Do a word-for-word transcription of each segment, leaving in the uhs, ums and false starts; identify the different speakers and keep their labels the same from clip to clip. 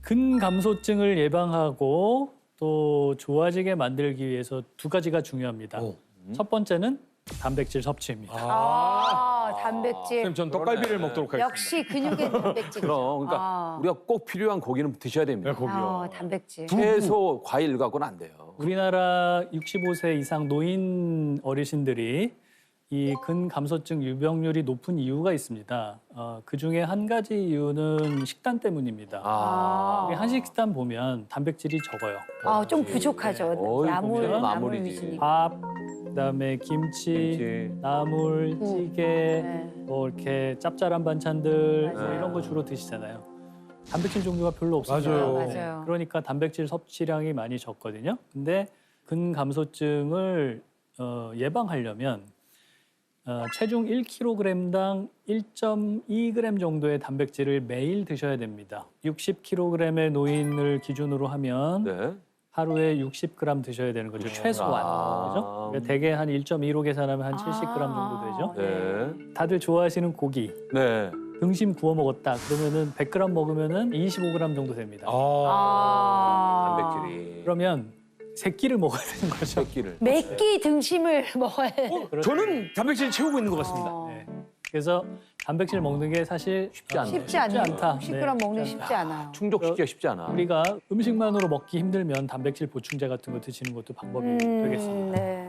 Speaker 1: 근감소증을 예방하고 또 좋아지게 만들기 위해서 두 가지가 중요합니다.
Speaker 2: 오.
Speaker 1: 첫 번째는 단백질 섭취입니다.
Speaker 3: 아, 단백질.
Speaker 2: 선생님, 전 떡갈비를 먹도록 하겠습니다.
Speaker 3: 역시 근육의 단백질.
Speaker 4: 그럼 그러니까
Speaker 3: 아.
Speaker 4: 우리가 꼭 필요한 고기는 드셔야 됩니다.
Speaker 2: 네, 고기요.
Speaker 3: 아, 단백질.
Speaker 4: 채소, 과일 갖고는 안 돼요.
Speaker 1: 우리나라 육십오 세 이상 노인 어르신들이 이 근감소증 유병률이 높은 이유가 있습니다. 어, 그중에 한 가지 이유는 식단 때문입니다.
Speaker 4: 아,
Speaker 1: 우리 한식 식단 보면 단백질이 적어요.
Speaker 3: 아, 좀 부족하죠.
Speaker 4: 어이,
Speaker 3: 나물,
Speaker 4: 보면
Speaker 3: 나물
Speaker 4: 나물이지.
Speaker 3: 위주니까.
Speaker 1: 밥, 그다음에 김치,
Speaker 4: 김치.
Speaker 1: 나물,
Speaker 3: 음.
Speaker 1: 찌개,
Speaker 3: 네.
Speaker 1: 뭐 이렇게 짭짤한 반찬들 뭐
Speaker 3: 맞아요.
Speaker 1: 이런 거 주로 드시잖아요. 단백질 종류가 별로 없습니다.
Speaker 2: 맞아요.
Speaker 3: 맞아요.
Speaker 1: 그러니까 단백질 섭취량이 많이 적거든요. 근데 근감소증을 어, 예방하려면 어, 체중 일 킬로그램당 일 점 이 그램 정도의 단백질을 매일 드셔야 됩니다. 육십 킬로그램의 노인을 기준으로 하면
Speaker 4: 네.
Speaker 1: 하루에 육십 그램 드셔야 되는 거죠. 최소한.
Speaker 4: 아.
Speaker 1: 그죠? 그러니까 대개 한 일 점 이로 계산하면 한 칠십 그램 정도 되죠.
Speaker 4: 네.
Speaker 1: 다들 좋아하시는 고기.
Speaker 4: 네.
Speaker 1: 등심 구워 먹었다. 그러면은 백 그램 먹으면은 이십오 그램 정도 됩니다.
Speaker 2: 아.
Speaker 3: 아.
Speaker 4: 단백질이.
Speaker 1: 그러면 세 끼를 먹어야 되는 거죠.
Speaker 4: 새끼를.
Speaker 3: 몇끼 등심을 먹어야 돼.
Speaker 2: 어, 저는 단백질 채우고 있는 것 같습니다.
Speaker 3: 어.
Speaker 1: 네. 그래서 단백질 먹는 게 사실
Speaker 4: 쉽지 않네요.
Speaker 3: 쉽지 않네요.
Speaker 1: 않다.
Speaker 3: 십
Speaker 1: 네,
Speaker 3: 그램 먹는
Speaker 1: 쉽지
Speaker 3: 쉽지 않아요.
Speaker 4: 충족시키기가 쉽지 않아.
Speaker 1: 우리가 음식만으로 먹기 힘들면 단백질 보충제 같은 거 드시는 것도 방법이
Speaker 3: 음,
Speaker 1: 되겠습니다.
Speaker 3: 네.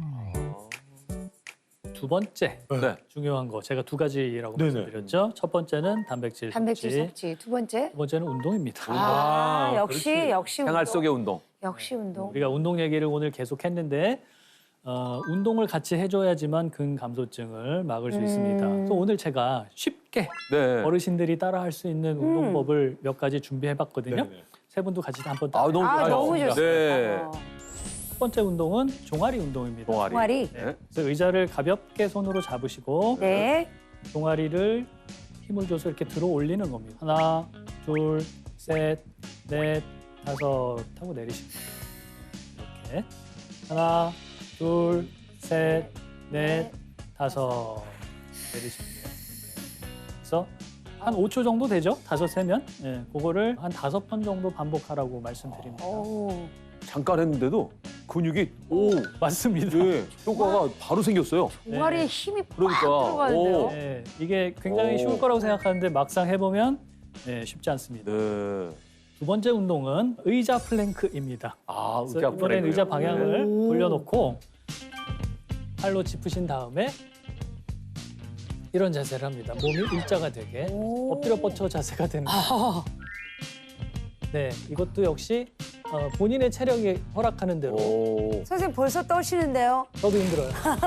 Speaker 1: 두 번째
Speaker 4: 네.
Speaker 1: 중요한 거 제가 두 가지라고
Speaker 2: 네네.
Speaker 1: 말씀드렸죠. 첫 번째는 단백질,
Speaker 3: 단백질
Speaker 1: 섭취.
Speaker 3: 섭취. 두 번째.
Speaker 1: 두 번째는 운동입니다.
Speaker 3: 아,
Speaker 2: 아,
Speaker 3: 역시
Speaker 2: 그렇지.
Speaker 3: 역시
Speaker 4: 생활
Speaker 3: 운동.
Speaker 4: 속의 운동.
Speaker 3: 역시 운동.
Speaker 1: 우리가 운동 얘기를 오늘 계속 했는데 어, 운동을 같이 해줘야지만 근감소증을 막을 수
Speaker 3: 음.
Speaker 1: 있습니다. 그래서 오늘 제가 쉽게
Speaker 4: 네.
Speaker 1: 어르신들이 따라할 수 있는 운동법을 몇 가지 준비해봤거든요.
Speaker 2: 네네.
Speaker 1: 세 분도 같이 한번
Speaker 4: 아,
Speaker 1: 따라.
Speaker 4: 너무
Speaker 3: 아,
Speaker 4: 좋아요.
Speaker 3: 너무 좋습니다.
Speaker 4: 네.
Speaker 3: 어.
Speaker 1: 첫 번째 운동은 종아리 운동입니다.
Speaker 4: 동아리.
Speaker 3: 동아리.
Speaker 4: 네.
Speaker 1: 그래서 의자를 가볍게 손으로 잡으시고
Speaker 3: 네.
Speaker 1: 종아리를 힘을 줘서 이렇게 들어 올리는 겁니다. 하나, 둘, 셋, 넷, 다섯 하고 내리십니다. 이렇게 하나, 둘, 셋, 넷, 다섯 내리십니다. 그래서 한 오 초 정도 되죠? 다섯 세면. 예, 그거를 한 다섯 번 정도 반복하라고 말씀드립니다.
Speaker 3: 오.
Speaker 4: 잠깐 했는데도 근육이 오,
Speaker 1: 맞습니다.
Speaker 4: 예, 효과가 바로 생겼어요.
Speaker 3: 종아리에
Speaker 1: 네.
Speaker 3: 힘이 팍
Speaker 4: 그러니까,
Speaker 3: 들어가는데요.
Speaker 4: 오.
Speaker 1: 네, 이게 굉장히
Speaker 4: 오.
Speaker 1: 쉬울 거라고 생각하는데 막상 해보면 네, 쉽지 않습니다.
Speaker 4: 네.
Speaker 1: 두 번째 운동은 의자 플랭크입니다.
Speaker 4: 아,
Speaker 1: 그래서
Speaker 4: 의자
Speaker 1: 이번엔
Speaker 4: 플랭크요.
Speaker 1: 의자 방향을
Speaker 3: 오.
Speaker 1: 돌려놓고 팔로 짚으신 다음에 이런 자세를 합니다. 몸이 일자가 되게
Speaker 3: 오.
Speaker 1: 엎드려 뻗쳐 자세가 되는 거예요.
Speaker 3: 아,
Speaker 1: 네, 이것도 역시 어, 본인의 체력이 허락하는 대로
Speaker 4: 오.
Speaker 3: 선생님 벌써 떠시는데요.
Speaker 1: 저도 힘들어요.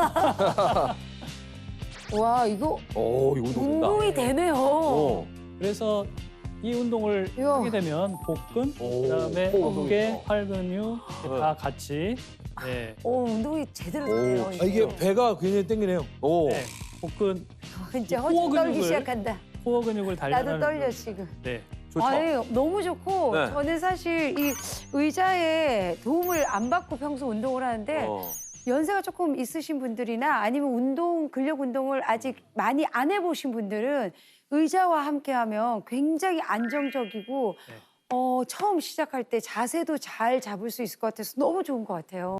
Speaker 3: 와, 이거
Speaker 4: 오, 이거 된다.
Speaker 3: 운동이 되네요.
Speaker 4: 오.
Speaker 1: 그래서 이 운동을
Speaker 3: 이야.
Speaker 1: 하게 되면 복근,
Speaker 4: 오,
Speaker 1: 그다음에
Speaker 4: 코
Speaker 1: 어깨,
Speaker 4: 운동이죠.
Speaker 1: 팔 근육
Speaker 4: 네.
Speaker 1: 다 같이 네,
Speaker 3: 오, 운동이 제대로 되네요.
Speaker 4: 오.
Speaker 2: 아, 이게 배가 굉장히 땡기네요.
Speaker 4: 오.
Speaker 1: 네, 복근,
Speaker 3: 진짜
Speaker 1: 코어
Speaker 3: 허리 떨기
Speaker 1: 근육을
Speaker 3: 시작한다.
Speaker 1: 코어 근육을 단련하는
Speaker 3: 나도 떨려
Speaker 1: 운동.
Speaker 3: 지금.
Speaker 1: 네,
Speaker 4: 좋죠.
Speaker 3: 아니, 너무 좋고
Speaker 4: 네.
Speaker 3: 저는 사실 이 의자에 도움을 안 받고 평소 운동을 하는데
Speaker 4: 어.
Speaker 3: 연세가 조금 있으신 분들이나 아니면 운동, 근력 운동을 아직 많이 안 해보신 분들은 의자와 함께하면 굉장히 안정적이고
Speaker 1: 네.
Speaker 3: 어, 처음 시작할 때 자세도 잘 잡을 수 있을 것 같아서 너무 좋은 것 같아요.